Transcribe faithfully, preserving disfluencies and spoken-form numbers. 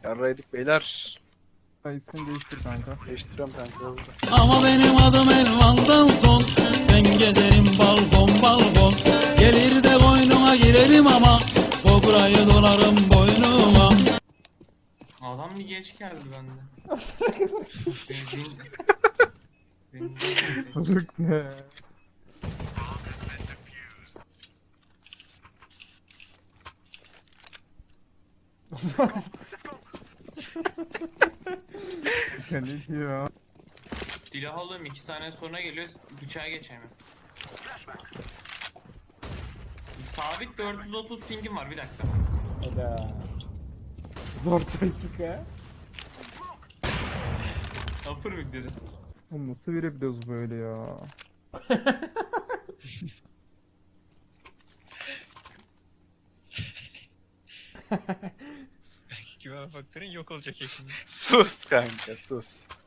Yarraydık beyler. Ha, ismini değiştir kanka. Değiştiriyorum kanka hızlı. Ama benim adım Elvan Dalton. Ben gezerim balkon balkon. Gelir de boynuma girerim ama kobrayı dolarım boynuma. Adam bir geç geldi bende. Benzin... Benzin... Sırık ne? Ya ne diyor? Silah alıyorum iki saniye sonra geliyor bıçağa geçemiyorum. Sabit dört yüz otuz pingim var bir dakika. Hadi. Zor dakika. Upper mid dedi. Oğlum nasıl verebiliyoruz böyle ya? Güven faktörün yok olacak yakında. Sus kanka sus.